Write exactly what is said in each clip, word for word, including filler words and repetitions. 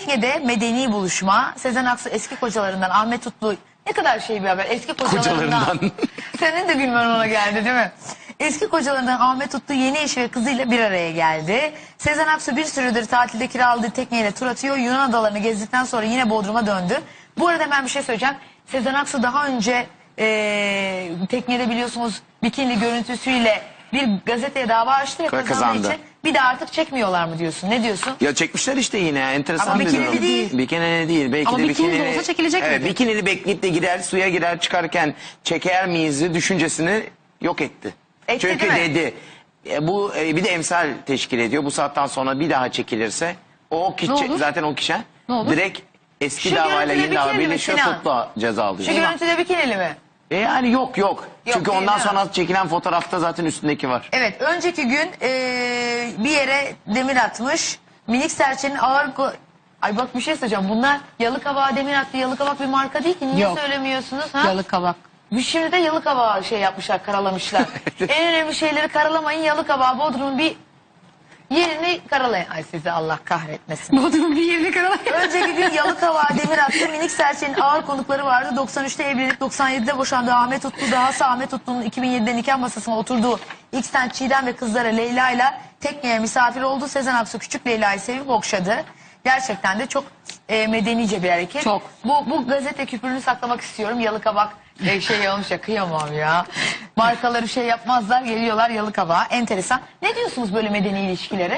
Tekne'de medeni buluşma. Sezen Aksu eski kocalarından Ahmet Utlu, ne kadar şey bir haber. Eski kocalarından. Kocalarından. Senin de gülmen ona geldi değil mi? Eski kocalarından Ahmet Utlu yeni eşi ve kızıyla bir araya geldi. Sezen Aksu bir süredir tatilde kiraladığı tekneyle tur atıyor. Yunan adalarını gezdikten sonra yine Bodrum'a döndü. Bu arada ben bir şey söyleyeceğim. Sezen Aksu daha önce ee, teknede biliyorsunuz bikini görüntüsüyle bir gazeteye dava açtı ve kazandığı Kazandı. için bir de artık çekmiyorlar mı diyorsun? Ne diyorsun? Ya çekmişler işte yine, enteresan Ama bir bikinili durum. değil. Bikinili değil. Belki Ama de bikinili de bikinili olsa çekilecek evet, miydi? bikinili bekleyip de girer, suya girer, çıkarken çeker miyiz düşüncesini yok etti. Etti, Çünkü değil mi? dedi e, bu e, bir de emsal teşkil ediyor. Bu saatten sonra bir daha çekilirse o kişi, Ne olur? zaten o kişi Ne olur? direkt eski Şu davayla görüntüde yeni dava bikinili mi birleşiyor, Sinan? tutukla ceza alıyor. Şu görüntüde bikinili mi? E yani yok yok. Çünkü değil, ondan değil mi? sonra çekilen fotoğrafta zaten üstündeki var. Evet, önceki gün eee, bir yere demir atmış. Minik serçenin ağır... ko- Ay bak bir şey söyleyeceğim. Bunlar Yalıkavak'a demir attı. Yalıkavak bir marka değil ki. Niye Yok. söylemiyorsunuz? Ha? Yalıkavak. Bir şimdi de Yalıkavak'a şey yapmışlar, karalamışlar. En önemli şeyleri karalamayın. Yalıkavak, Bodrum'un bir yerini karalayın. Ay sizi Allah kahretmesin. Bodrum'un bir yerini karalayın. Önceki gün Yalıkavak'a demir attı. Minik serçenin ağır konukları vardı. doksan üçte evlenip doksan yedide boşandığı Ahmet Utlu, dahası Ahmet Utlu'nun iki bin yedide nikah masasına oturduğu İksen Çiğdem ve kızları Leyla ile tekneye misafir oldu. Sezen Aksu küçük Leyla'yı sevip okşadı. Gerçekten de çok e, medenice bir hareket. Çok. Bu, bu gazete küpürünü saklamak istiyorum. Yalıkavak e, şey olmuş ya, kıyamam ya. Markaları şey yapmazlar, geliyorlar Yalıkavak'a. Enteresan. Ne diyorsunuz böyle medeni ilişkilere?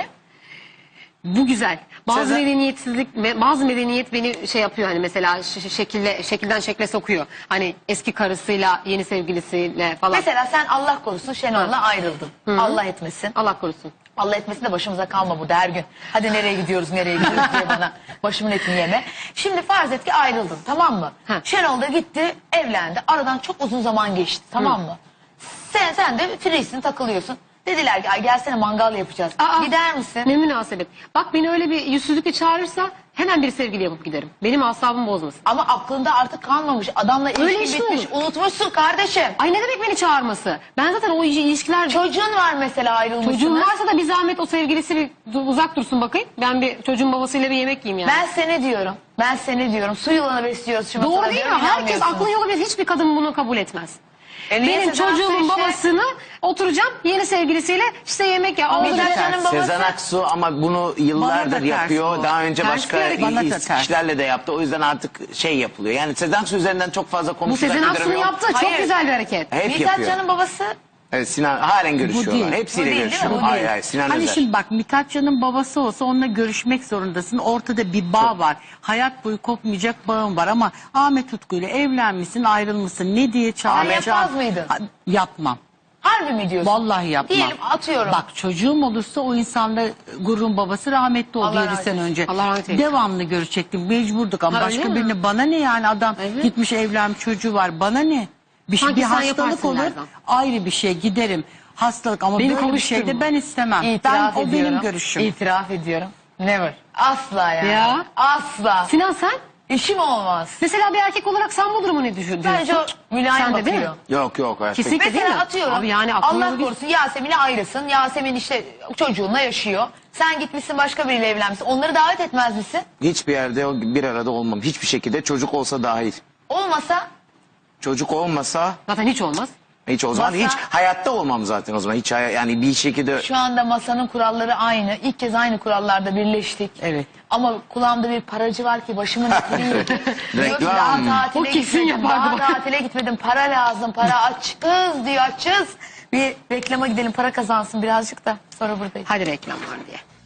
Bu güzel. Bazı Sezen- medeniyetsizlik ve bazı medeniyet beni şey yapıyor, hani mesela ş- ş- şekille şekilden şekle sokuyor. Hani eski karısıyla yeni sevgilisiyle falan. Mesela sen Allah korusun Şenol'la ayrıldın. Allah etmesin. Allah korusun. Allah etmesin de başımıza kalma burada her gün. Hadi nereye gidiyoruz nereye gidiyoruz diye bana başımın etini yeme. Şimdi farz et ki ayrıldın, tamam mı? Ha. Şenol da gitti evlendi. Aradan çok uzun zaman geçti, tamam mı? Sen, sen de free'sin, takılıyorsun. Dediler ki ay gelsene mangal yapacağız. Aa, Gider misin? Ne münasebet. Bak beni öyle bir yüzsüzlükle çağırırsa hemen bir sevgili yapıp giderim. Benim asabımı bozmasın. Ama aklında artık kalmamış. Adamla Öyle ilişki iş mi bitmiş. olur? Unutmuşsun kardeşim. Ay ne demek beni çağırması? Ben zaten o ilişkiler... Çocuğun var mesela, ayrılmışsınız. Çocuğum varsa da bir zahmet o sevgilisi bir dur- uzak dursun bakayım. Ben bir çocuğun babasıyla bir yemek yiyeyim yani. Ben sene diyorum. Ben sene diyorum. Su yılanı besliyoruz şu Doğru masada değil mi? diyorum, Herkes inanmıyorsunuz. aklın yolu bir, hiçbir kadın bunu kabul etmez. E niye Benim Sezen Aksu çocuğumun işte? babasını oturacağım yeni sevgilisiyle işte yemek ya. Ama Oldu Sezen derken- Hanım babası- Sezen Aksu ama bunu yıllardır Bana da ters yapıyor. bu. Daha önce Ters başka bir hareket. Bana da iyi ters. kişilerle de yaptı. O yüzden artık şey yapılıyor. Yani Sezen Aksu üzerinden çok fazla Bu konuşacak Sezen bir Aksu'nun durum yok. yaptığı çok Hayır. güzel bir hareket. Hep Mithat yapıyor. Can'ın babası. Evet, Sinan halen görüşüyorlar. değil. Hepsiyle Bu değil, değil mi? görüşüyor. Bu Hayır değil. hayır, Sinan Hani Özer. şimdi bak, Mithat Can'ın babası olsa onunla görüşmek zorundasın. Ortada bir bağ var. Hayat boyu kopmayacak bağın var ama Ahmet Utku ile evlenmişsin, ayrılmışsın. Ne diye çağıracağım? yapmaz mıydın? Ha, Yapmam. Harbi mi diyorsun? Vallahi yapmam. Diyelim atıyorum. Bak çocuğum olursa o insanla gururun babası rahmetli oldu Allah yedi rahmet sene eylesin. önce. Allah rahmet eylesin. Devamlı görecektim. Mecburduk ama Ha, öyle başka mi? birine bana ne yani, adam Evet. gitmiş evlenmiş çocuğu var. Bana ne? Bir, şey, Sanki bir sen hastalık yaparsın olur Lerzan. ayrı bir şey, giderim. Hastalık ama Beni böyle bir şey de konuşturma. ben istemem. İtiraf ben, o ediyorum. benim görüşüm. İtiraf ediyorum. Never. Asla yani. Ya. Asla. Sinan sen? İşim olmaz. Mesela bir erkek olarak sen bu durumu ne düşün- diyorsun? Bence o mülayim Sen de değil bakıyor. mi? Yok yok. hayatta- Kesinlikle. Değil Mesela mi? atıyorum. Abi yani aklın Allah yolu bir- korusun Yasemin'le ayrısın. Yasemin işte çocuğunla yaşıyor. Sen gitmişsin başka biriyle evlenmişsin. Onları davet etmez misin? Hiçbir yerde o bir arada olmam. Hiçbir şekilde, çocuk olsa dahil. Olmasa Çocuk olmasa Zaten hiç olmaz. hiç o zaman Masa- hiç hayatta olmam zaten o zaman. Hiç hay- yani bir şekilde şu anda masanın kuralları aynı. İlk kez aynı kurallarda birleştik. Evet. Ama kulağımda bir paracı var ki başımın etini yiyor. Diyor ki Reklam. daha tatile O kesin gitmedim. yapardı Daha bak. tatile gitmedim. Para lazım. Para açız diyor, açız. Bir reklama gidelim, para kazansın birazcık da sonra buradayız. Hadi reklam var diye.